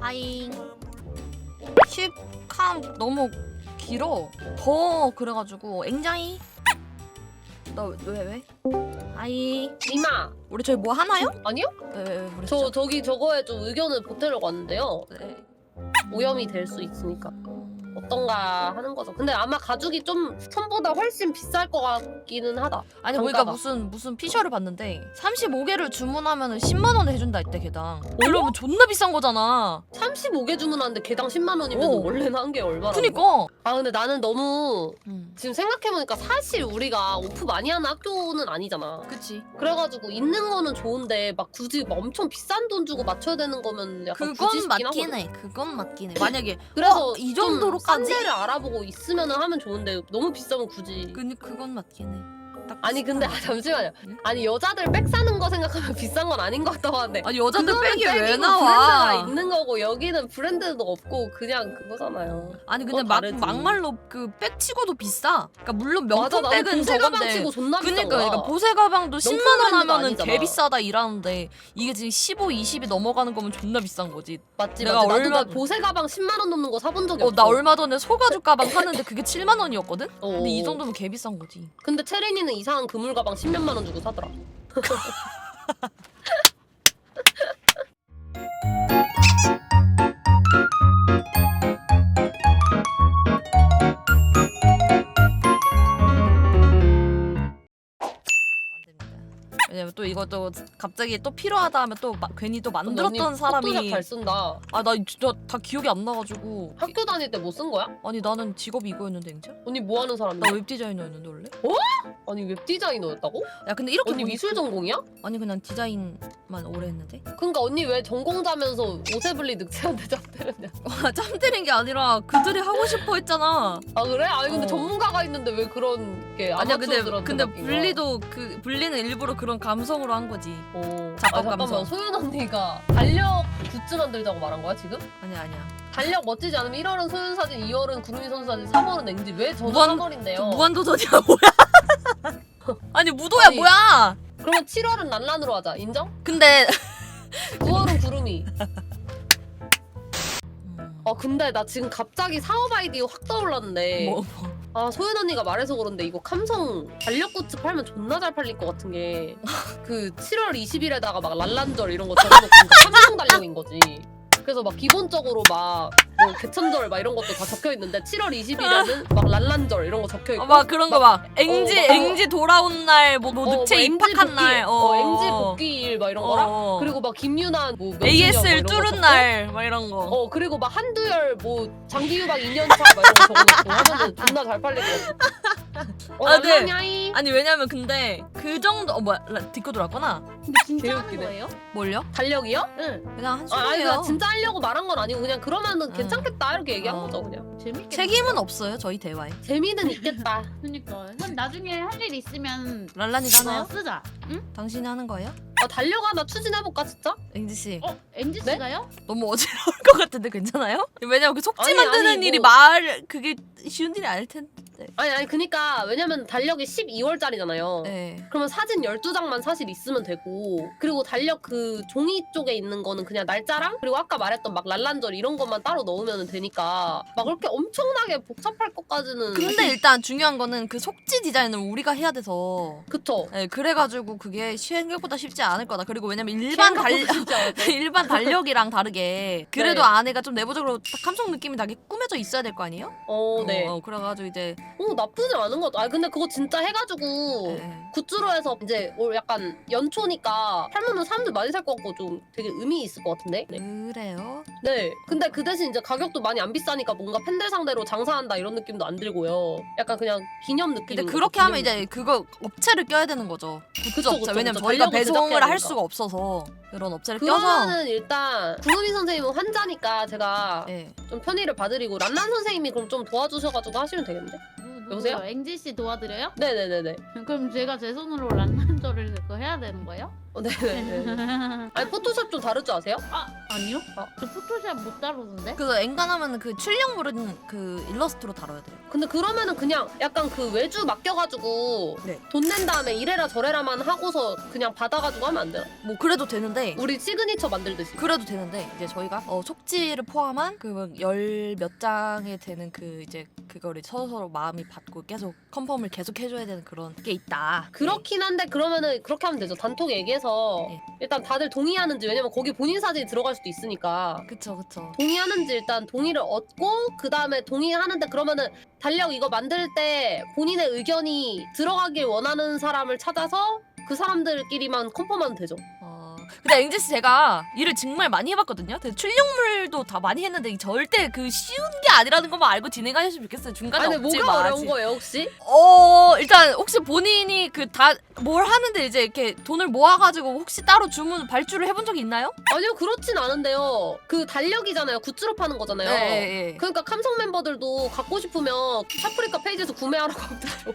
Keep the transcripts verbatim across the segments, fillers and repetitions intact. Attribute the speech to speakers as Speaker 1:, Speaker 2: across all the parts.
Speaker 1: 하잉. 십 캄 너무 길어. 더 그래가지고 앵자이. 너 왜 왜? 하이.
Speaker 2: 이마.
Speaker 1: 우리 저희 뭐 하나요?
Speaker 2: 아니요?
Speaker 1: 왜 왜 왜 그랬죠?
Speaker 2: 저 저기 저거에 좀 의견을 보태려고 왔는데요.
Speaker 1: 네.
Speaker 2: 오염이 될 수 있으니까 어떤가 하는 거죠. 근데 아마 가죽이 좀 천보다 훨씬 비쌀 것 같기는 하다.
Speaker 1: 아니
Speaker 2: 단가가.
Speaker 1: 우리가 무슨 무슨 피셔를 봤는데 삼십오 개를 주문하면은 십만 원 해준다 했대 개당. 그러면 존나 비싼 거잖아.
Speaker 2: 삼십오 개 주문하는데 개당 십만 원이면
Speaker 1: 오.
Speaker 2: 원래는 한 개 얼마나?
Speaker 1: 그니까.
Speaker 2: 아 근데 나는 너무
Speaker 1: 음.
Speaker 2: 지금 생각해보니까 사실 우리가 오프 많이 하는 학교는 아니잖아.
Speaker 1: 그치.
Speaker 2: 그래가지고 있는 거는 좋은데 막 굳이 막 엄청 비싼 돈 주고 맞춰야 되는 거면 약간 굳이
Speaker 1: 그건
Speaker 2: 싶긴
Speaker 1: 맞긴
Speaker 2: 하거든.
Speaker 1: 해. 그건 맞긴 해. 만약에
Speaker 2: 그래서
Speaker 1: 어, 이
Speaker 2: 좀
Speaker 1: 정도로까지?
Speaker 2: 싼 데를 알아보고 있으면 하면 좋은데 너무 비싸면 굳이.
Speaker 1: 그 그건 맞긴 해. 딱
Speaker 2: 아니 근데 아,
Speaker 1: 비슷하네.
Speaker 2: 잠시만요.
Speaker 1: 응?
Speaker 2: 아니 여자들 백 사는 거 생각하면 비싼 건 아닌 것 같다고 하는데
Speaker 1: 아니 여자들
Speaker 2: 그거는
Speaker 1: 백이 왜
Speaker 2: 백이고
Speaker 1: 나와?
Speaker 2: 브랜드가 있는 거고 여기는 브랜드도 없고 그냥 그거잖아요.
Speaker 1: 아니 근데
Speaker 2: 그건
Speaker 1: 막
Speaker 2: 다르지.
Speaker 1: 막말로 그 백 치고도 비싸. 그러니까 물론
Speaker 2: 맞아
Speaker 1: 명품
Speaker 2: 나는
Speaker 1: 백은
Speaker 2: 보세 가방
Speaker 1: 저건데.
Speaker 2: 치고 존나 비싼
Speaker 1: 그니까,
Speaker 2: 거야.
Speaker 1: 그러니까 보세 가방도 십만 원
Speaker 2: 브랜드가
Speaker 1: 하면은
Speaker 2: 아니잖아.
Speaker 1: 개 비싸다 이라는데 이게 지금 십오, 이십이 넘어가는 거면 존나 비싼 거지.
Speaker 2: 맞지
Speaker 1: 내가
Speaker 2: 맞지. 나도
Speaker 1: 얼마-
Speaker 2: 나 보세 가방 십만 원 넘는 거 사본 적이
Speaker 1: 어,
Speaker 2: 없어.
Speaker 1: 나 얼마 전에 소가죽 가방 샀는데 그게 칠만 원이었거든?
Speaker 2: 어,
Speaker 1: 근데 이
Speaker 2: 어.
Speaker 1: 정도면 개 비싼 거지.
Speaker 2: 근데 체린이는 이상한 그물 가방 십몇만 원 주고 사더라.
Speaker 1: 안 됩니다. 왜냐면 또 이것도 갑자기 또 필요하다 하면 또 마, 괜히 또 만들었던 사람이
Speaker 2: 포토샵 잘 쓴다.
Speaker 1: 아 나 진짜 다 기억이 안 나가지고
Speaker 2: 학교 다닐 때 뭐 쓴 거야?
Speaker 1: 아니 나는 직업이 이거였는데 진짜?
Speaker 2: 언니 뭐 하는 사람이야?
Speaker 1: 나 웹디자이너였는데 원래?
Speaker 2: 아니 웹 디자이너였다고?
Speaker 1: 야 근데 이렇게
Speaker 2: 언니
Speaker 1: 보니-
Speaker 2: 미술 전공이야?
Speaker 1: 아니 그냥 디자인만 오래 했는데?
Speaker 2: 그러니까 언니 왜 전공자면서 오세블리 늑체한테 잡대느냐?
Speaker 1: 와 짬 때린 게 아니라 그들이 하고 싶어 했잖아.
Speaker 2: 아 그래? 아니 근데
Speaker 1: 어.
Speaker 2: 전문가가 있는데 왜 그런 게
Speaker 1: 아니야 근데
Speaker 2: 아마추어들한테
Speaker 1: 근데
Speaker 2: 맡긴 거야?
Speaker 1: 분리도 그 분리는 일부러 그런 감성으로 한 거지.
Speaker 2: 어.
Speaker 1: 작업
Speaker 2: 아, 잠깐만
Speaker 1: 감성.
Speaker 2: 소윤 언니가 달력 굿즈 만들자고 말한 거야 지금?
Speaker 1: 아니야 아니야.
Speaker 2: 달력 멋지지 않으면 일월은 소윤 사진, 이월은 구름이 선수 사진, 삼월은 앵지. 왜 저는
Speaker 1: 무한-
Speaker 2: 삼월인데요?
Speaker 1: 무한도전이야 뭐야? 아니 무도야
Speaker 2: 아니.
Speaker 1: 뭐야?
Speaker 2: 그러면 칠월은 란란으로 하자. 인정?
Speaker 1: 근데
Speaker 2: 구월은 구름이.
Speaker 1: 음,
Speaker 2: 어 근데 나 지금 갑자기 사업 아이디어 확 떠올랐는데
Speaker 1: 뭐, 뭐.
Speaker 2: 아 소연 언니가 말해서 그런데 이거 감성 달력 굿즈 팔면 존나 잘 팔릴 것 같은 게 그 칠월 이십일에다가 막 랄란절 이런 거 적어놓고 감성 달력인 거지. 그래서 막 기본적으로 막 뭐 개천절 막 이런 것도 다 적혀 있는데 칠월 이십일에는 막 랄란절 이런 거 적혀 있고
Speaker 1: 어, 막 그런 거 막 앵지
Speaker 2: 어, 막-
Speaker 1: 앵지 돌아온 날뭐 뭐
Speaker 2: 어,
Speaker 1: 늑체
Speaker 2: 뭐 앵지
Speaker 1: 입학한
Speaker 2: 복귀,
Speaker 1: 날
Speaker 2: 어, 앵지 복귀일 막 이런
Speaker 1: 어,
Speaker 2: 거랑
Speaker 1: 어.
Speaker 2: 그리고 막 김유난 뭐 몇 주년 뭐
Speaker 1: 에이에스엘
Speaker 2: 이런 거
Speaker 1: 뚫은
Speaker 2: 적고,
Speaker 1: 날 막 이런 거.
Speaker 2: 어 그리고 막 한두열 뭐 장기유박 이 년 차 막 이런 거 적어놓고 하면은 존나 잘 팔릴 것 같아. 어
Speaker 1: 아, 네.
Speaker 2: 랄란야이.
Speaker 1: 아니 왜냐면 근데 그 정도 어 뭐야 라- 딛고 돌았구나.
Speaker 3: 근데 진짜 하는
Speaker 2: 개웃기네.
Speaker 3: 거예요?
Speaker 1: 뭘요?
Speaker 2: 달력이요?
Speaker 3: 응.
Speaker 1: 그냥 한
Speaker 2: 아, 아니
Speaker 1: 소리예요.
Speaker 2: 나 진짜 하려고 말한 건 아니고 그냥 그러면은
Speaker 1: 아.
Speaker 2: 괜찮겠다 이렇게 얘기한
Speaker 1: 어.
Speaker 2: 거죠 그냥.
Speaker 3: 재밌게.
Speaker 1: 책임은 없어요 저희 대화에.
Speaker 2: 재미는 있겠다.
Speaker 3: 그니까. 그럼 나중에 할 일 있으면
Speaker 1: 랄란이가
Speaker 3: 그거
Speaker 1: 하나요?
Speaker 3: 쓰자. 응?
Speaker 1: 당신이 하는 거예요?
Speaker 2: 아 달력 하나 추진해볼까 진짜?
Speaker 1: 앵지 씨
Speaker 3: 어? 엠지
Speaker 2: 네?
Speaker 3: 씨가요?
Speaker 1: 너무 어지러울 것 같은데 괜찮아요? 왜냐면 그 속지
Speaker 2: 아니,
Speaker 1: 만드는
Speaker 2: 아니,
Speaker 1: 일이
Speaker 2: 뭐-
Speaker 1: 말 그게 쉬운 일이 아닐 텐데.
Speaker 2: 아니 아니 그니까 왜냐면 달력이 십이월짜리잖아요.
Speaker 1: 네.
Speaker 2: 그러면 사진 열두 장만 사실 있으면 되고 그리고 달력 그 종이 쪽에 있는 거는 그냥 날짜랑 그리고 아까 말했던 막 랄란절 이런 것만 따로 넣으면 되니까 막 그렇게 엄청나게 복잡할 것까지는
Speaker 1: 근데 일단 중요한 거는 그 속지 디자인을 우리가 해야 돼서.
Speaker 2: 그쵸.
Speaker 1: 네, 그래가지고 그게 생각보다 쉽지 않을 거다. 그리고 왜냐면 일반 달
Speaker 2: 진짜
Speaker 1: 일반 달력이랑 다르게 그래도
Speaker 2: 네.
Speaker 1: 안에가 좀 내부적으로 딱 감성 느낌이 나게 꾸며져 있어야 될 거 아니에요?
Speaker 2: 어 네.
Speaker 1: 어, 그래가지고 이제
Speaker 2: 어 나쁘지 않은 것 같아. 아 근데 그거 진짜 해가지고
Speaker 1: 네.
Speaker 2: 굿즈로 해서 이제 올 약간 연초니까 팔면은 사람들 많이 살 것 같고 좀 되게 의미 있을 것 같은데. 네.
Speaker 1: 그래요.
Speaker 2: 네. 근데 그 대신 이제 가격도 많이 안 비싸니까 뭔가 팬들 상대로 장사한다 이런 느낌도 안 들고요. 약간 그냥 기념 느낌.
Speaker 1: 근데 그렇게 하면 이제 그거 업체를 껴야 되는 거죠. 굿즈
Speaker 2: 그쵸,
Speaker 1: 업체.
Speaker 2: 그쵸,
Speaker 1: 왜냐면
Speaker 2: 그쵸.
Speaker 1: 저희가
Speaker 2: 달력을
Speaker 1: 배송을
Speaker 2: 제작해야
Speaker 1: 할
Speaker 2: 되니까.
Speaker 1: 수가 없어서 그런 업체를 껴서.
Speaker 2: 그러면은 일단 구름이 선생님은 환자니까 제가
Speaker 1: 네.
Speaker 2: 좀 편의를 봐드리고 란란 선생님이 그럼 좀 도와주셔가지고 하시면 되겠는데? 여보세요?
Speaker 3: 여보세요? 엠지 씨 도와드려요?
Speaker 2: 네네네네.
Speaker 3: 그럼 제가 제 손으로 란란절을 그거 해야 되는 거예요?
Speaker 2: 어, 네네. 아니 포토샵 좀 다룰 줄 아세요?
Speaker 3: 아 아니요?
Speaker 2: 아.
Speaker 3: 저 포토샵 못 다루는데?
Speaker 1: 그래서 엔간하면 그 출력물은 그 일러스트로 다뤄야 돼요.
Speaker 2: 근데 그러면은 그냥 약간 그 외주 맡겨가지고
Speaker 1: 네.
Speaker 2: 돈 낸 다음에 이래라 저래라만 하고서 그냥 받아가지고 하면 안 되나?
Speaker 1: 뭐 그래도 되는데
Speaker 2: 우리 시그니처 만들듯이.
Speaker 1: 그래도 되는데 이제 저희가 어, 속지를 포함한 그 열 몇 장에 되는 그 이제 그거를 서로 서로 마음이 받고 계속 컨펌을 계속 해줘야 되는 그런 게 있다.
Speaker 2: 그렇긴 한데 그러면은 그렇게 하면 되죠. 단톡 얘기해서
Speaker 1: 네.
Speaker 2: 일단 다들 동의하는지, 왜냐면 거기 본인 사진이 들어갈 수도 있으니까
Speaker 1: 네. 그쵸 그쵸.
Speaker 2: 동의하는지 일단 동의를 얻고 그 다음에 동의하는데 그러면은 달력 이거 만들 때 본인의 의견이 들어가길 원하는 사람을 찾아서 그 사람들끼리만 컨펌하면 되죠.
Speaker 1: 어, 근데 앵지씨 제가 일을 정말 많이 해봤거든요. 근데 출력물도 다 많이 했는데 이게 절대 그 쉬운 게 아니라는 것만 알고 진행하셨으면 좋겠어요. 중간에
Speaker 2: 아니
Speaker 1: 없지
Speaker 2: 뭐가
Speaker 1: 마시.
Speaker 2: 어려운 거예요 혹시?
Speaker 1: 어 일단 혹시 본인이 그 다 뭘 하는데 이제 이렇게 돈을 모아가지고 혹시 따로 주문 발주를 해본 적이 있나요?
Speaker 2: 아니요 그렇진 않은데요. 그 달력이잖아요. 굿즈로 파는 거잖아요.
Speaker 1: 네. 네.
Speaker 2: 그러니까 감성 멤버들도 갖고 싶으면 샤프리카 페이지에서 구매하라고 하더라고요.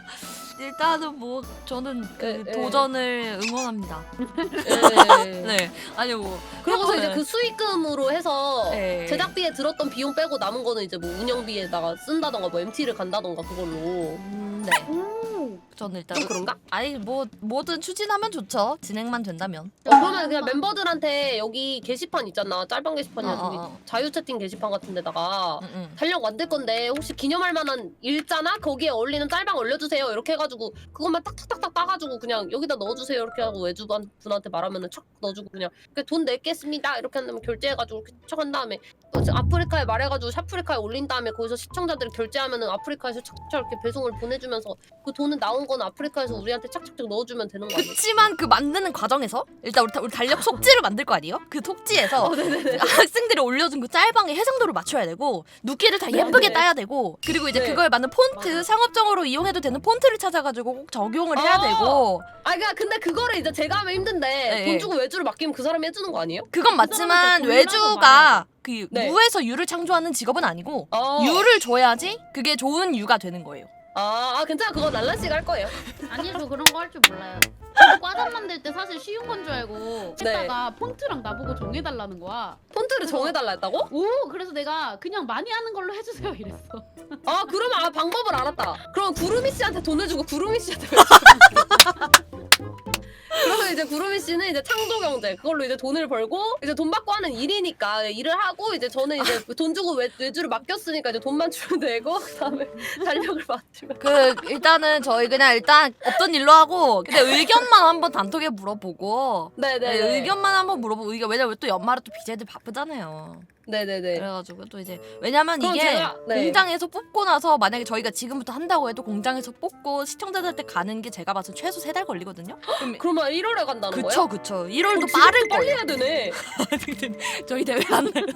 Speaker 1: 일단은 뭐 저는 그
Speaker 2: 네, 네.
Speaker 1: 도전을 응원합니다.
Speaker 2: 네.
Speaker 1: 네. 아니 뭐
Speaker 2: 그러고서
Speaker 1: 네.
Speaker 2: 이제 그 수익금으로 해서
Speaker 1: 네.
Speaker 2: 제작비에 들었던 비용 빼고 남은 거는 이제 뭐 운영비에다가 쓴다던가 뭐 엠티를 간다던가 그걸로.
Speaker 1: 음, 네.
Speaker 3: 오.
Speaker 1: 저는 일단
Speaker 2: 좀 그런가?
Speaker 1: 아니 뭐 뭐든 추진하면 좋죠. 진행만 된다면.
Speaker 2: 어, 그러면 그냥 멤버들한테 여기 게시판 있잖아. 짤방 게시판이나
Speaker 1: 어, 어,
Speaker 2: 저기
Speaker 1: 어.
Speaker 2: 자유 채팅 게시판 같은 데다가
Speaker 1: 응, 응.
Speaker 2: 달력 만들 건데 혹시 기념할 만한 일자나 거기에 어울리는 짤방 올려주세요. 이렇게 해가지고 그것만 딱딱딱딱 따가지고 그냥 여기다 넣어주세요. 이렇게 하고 외주분 분한테 말하면은 척 넣어주고 그냥 그냥 돈 낼겠습니다. 이렇게 한 다음에 결제해가지고 이렇게 척 한 다음에 어, 저 아프리카에 말해가지고 샤프리카에 올린 다음에 거기서 시청자들이 결제하면은 아프리카에서 착착 이렇게 배송을 보내주면서 그 돈은 나온 건 아프리카에서 우리한테 착착착 넣어주면 되는 거 아니에요?
Speaker 1: 그치만 그 만드는 과정에서 일단 우리, 다- 우리 달력 속지를 만들 거 아니에요? 그 속지에서
Speaker 2: 어, 네네네.
Speaker 1: 학생들이 올려준 그 짤방의 해상도를 맞춰야 되고 눕기를 다 예쁘게
Speaker 2: 네.
Speaker 1: 따야 되고 그리고 이제
Speaker 2: 네.
Speaker 1: 그거에 맞는 폰트
Speaker 3: 맞아.
Speaker 1: 상업적으로 이용해도 되는 폰트를 찾아가지고 꼭 적용을 해야
Speaker 2: 어.
Speaker 1: 되고
Speaker 2: 아 그러니까 근데 그거를 이제 제가 하면 힘든데
Speaker 1: 네.
Speaker 2: 돈 주고 외주를 맡기면 그 사람이 해주는 거 아니에요?
Speaker 1: 그건 맞지만
Speaker 3: 사람한테 돈이라고 말해야
Speaker 1: 외주가 그
Speaker 2: 네.
Speaker 1: 무에서 유를 창조하는 직업은 아니고
Speaker 2: 어.
Speaker 1: 유를 줘야지 그게 좋은 유가 되는 거예요.
Speaker 2: 아, 아 괜찮아 그거 날라 씨가 할 거예요.
Speaker 3: 아니 저 그런 거 할 줄 몰라요. 저도 과잠 만들 때 사실 쉬운 건 줄 알고
Speaker 2: 네.
Speaker 3: 했다가 폰트랑 나보고 정해달라는 거야.
Speaker 2: 폰트를 정해달라 했다고?
Speaker 3: 오 그래서 내가 그냥 많이 하는 걸로 해주세요 이랬어.
Speaker 2: 아 그러면 아 방법을 알았다. 그럼 구루미 씨한테 돈을 주고 구루미 씨한테 그러면 이제 구루미 씨는 이제 창조 경제 그걸로 이제 돈을 벌고 이제 돈 받고 하는 일이니까 일을 하고 이제 저는 이제 돈 주고 외, 외주를 맡겼으니까 이제 돈만 주면 되고 그다음에 달력을 맡으면
Speaker 1: 그 일단은 저희 그냥 일단 없던 일로 하고 근데 의견만 한번 단톡에 물어보고
Speaker 2: 네네
Speaker 1: 네, 의견만 한번 물어보고 이게 왜냐면 또 연말에 또 비제들 바쁘잖아요.
Speaker 2: 네네네
Speaker 1: 그래가지고 또 이제 왜냐면
Speaker 2: 그럼
Speaker 1: 이게
Speaker 2: 제가- 네.
Speaker 1: 공장에서 뽑고 나서 만약에 저희가 지금부터 한다고 해도 공장에서 뽑고 시청자들한테 가는 게 제가 봐서 최소 세 달 걸리거든요. 그럼
Speaker 2: 그러면 일월에 간다는
Speaker 1: 그쵸
Speaker 2: 거예요?
Speaker 1: 그쵸. 일월도
Speaker 2: 어,
Speaker 1: 빠를
Speaker 2: 지금부터 빨리
Speaker 1: 거예요.
Speaker 2: 해야 되네.
Speaker 1: 저희 대회 안 날.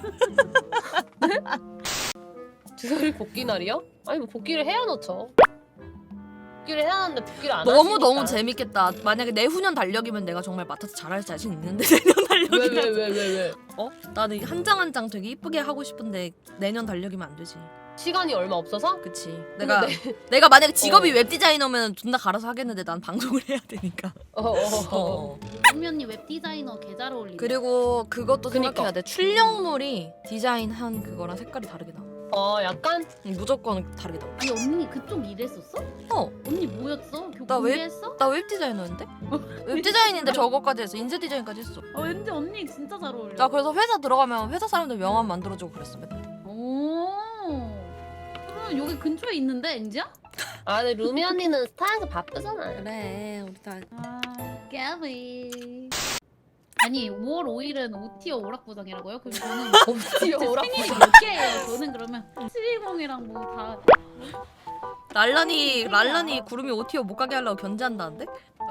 Speaker 2: 주설이 복귀 날이요? 아니 뭐 복귀를 해야 넣죠. 복귀를 해야 하는데 복귀를 안
Speaker 1: 너무
Speaker 2: 하시니까.
Speaker 1: 너무 재밌겠다. 만약에 내후년 달력이면 내가 정말 맡아서 잘할 자신 있는데 내년 달력이면
Speaker 2: 왜 왜 왜 왜 왜?
Speaker 1: 어? 나는 한 장 한 장 되게 이쁘게 하고 싶은데 내년 달력이면 안 되지.
Speaker 2: 시간이 얼마 없어서?
Speaker 1: 그치.
Speaker 2: 근데
Speaker 1: 내가
Speaker 2: 네.
Speaker 1: 내가 만약에 직업이
Speaker 2: 어.
Speaker 1: 웹 디자이너면 존나 갈아서 하겠는데 난 방송을 해야 되니까.
Speaker 2: 어, 어, 어.
Speaker 1: 어.
Speaker 3: 은미 언니 웹 디자이너 개 잘 어울리네.
Speaker 1: 그리고 그것도
Speaker 2: 그니까.
Speaker 1: 생각해야 돼. 출력물이 디자인한 그거랑 색깔이 다르게 나와.
Speaker 2: 어 약간
Speaker 1: 무조건 다르게 나와.
Speaker 3: 아니 언니 그쪽 일했었어?
Speaker 1: 어.
Speaker 3: 언니 뭐였어? 교
Speaker 1: 나 웹-
Speaker 3: 공개했어?
Speaker 1: 나 웹 디자이너인데? 웹 디자인인데 저거까지 했어. 인쇄 디자인까지 했어.
Speaker 3: 어 왠지 언니 진짜 잘 어울려.
Speaker 1: 나 그래서 회사 들어가면 회사 사람들 명함 만들어주고 그랬어 맨날.
Speaker 3: 오. 그러면 여기 근처에 있는데 엔지야?
Speaker 2: 아 근데 루미 언니는 스타에서 바쁘잖아요.
Speaker 1: 그래 우리 다.
Speaker 3: 아 깨비. 아니 오월 오일은 오티어 오락부장이라고요? 그럼 저는
Speaker 2: 어디요 오라.
Speaker 3: 생일이 몇 개예요? 저는 그러면 칠십이랑 뭐 다
Speaker 1: 랄란이 랄란이 구름이 오티어 못 가게 하려고 견제한다는데?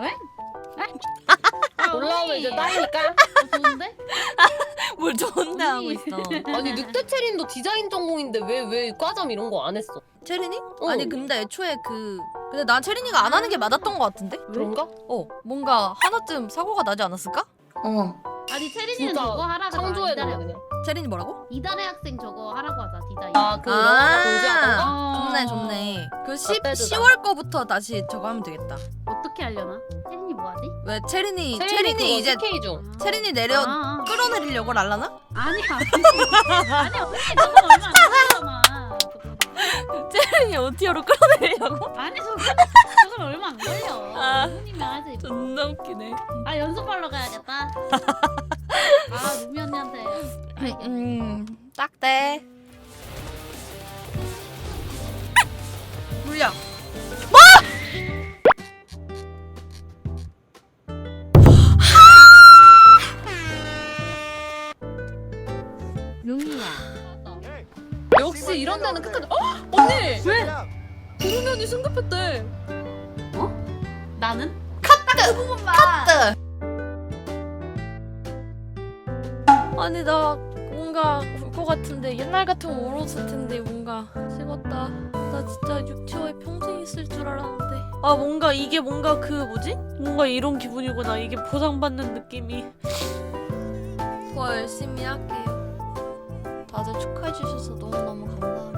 Speaker 3: 아,
Speaker 2: 올라오면
Speaker 3: 언니.
Speaker 2: 이제 따이니까.
Speaker 3: 어, 좋은데?
Speaker 1: 뭘 좋은데 하고
Speaker 3: 언니.
Speaker 1: 있어.
Speaker 2: 아니 늑대 체린도 디자인 전공인데 왜 왜 과점 이런 거 안 했어?
Speaker 1: 체린이?
Speaker 2: 어.
Speaker 1: 아니 근데 애초에 그 근데 난 체린이가 안 하는 게 맞았던 것 같은데?
Speaker 2: 그런가?
Speaker 1: 어 뭔가 하나쯤 사고가 나지 않았을까?
Speaker 2: 어.
Speaker 3: 아니 체린이는
Speaker 2: 진짜
Speaker 3: 저거 하라고
Speaker 2: 창조해
Speaker 3: 이달의,
Speaker 2: 놓네 그냥.
Speaker 1: 체린이 뭐라고?
Speaker 3: 이달의 학생 저거 하라고 하자 디자인.
Speaker 2: 아 그거
Speaker 1: 아.
Speaker 2: 공지하던 거?
Speaker 3: 어.
Speaker 1: 좋네 좋네. 그 십,
Speaker 2: 빼주자.
Speaker 1: 시월 거부터 다시 저거 하면 되겠다.
Speaker 3: 어떻게 하려나? 체린이 뭐 뭐라고 하지?
Speaker 1: 왜 체린이
Speaker 2: 체린이
Speaker 1: 체린이 이제
Speaker 2: K 중.
Speaker 1: 체린이 내려
Speaker 3: 아, 아.
Speaker 1: 끌어내리려고 랄라나?
Speaker 3: 아니야 아니야 언니 저건 얼마 안 걸리잖아.
Speaker 1: 체린이 오티어로 끌어내리려고?
Speaker 3: 아니 저건 저건 얼마 안 걸려.
Speaker 1: 아.
Speaker 3: 언니면 하지.
Speaker 1: 존나 웃기네.
Speaker 3: 아 연습하러 가야겠다. 아 루미 언니한테. 알겠네.
Speaker 1: 음, 딱대. 물량.
Speaker 3: 루미야.
Speaker 2: 역시 이런 데는 끝까지. 어? 언니 왜? 구름현이 승급했대.
Speaker 3: 나는?
Speaker 1: 카트. 아니 나 뭔가 울 것 같은데 옛날 같으면 울었을 텐데 뭔가 식었다. 나 진짜 육체와에 평생 있을 줄 알았는데.
Speaker 4: 아 뭔가 이게 뭔가 그 뭐지? 뭔가 이런 기분이구나. 이게 보상받는 느낌이.
Speaker 1: 더 열심히 할게요. 다들 축하해 주셔서 너무너무 감사합니다.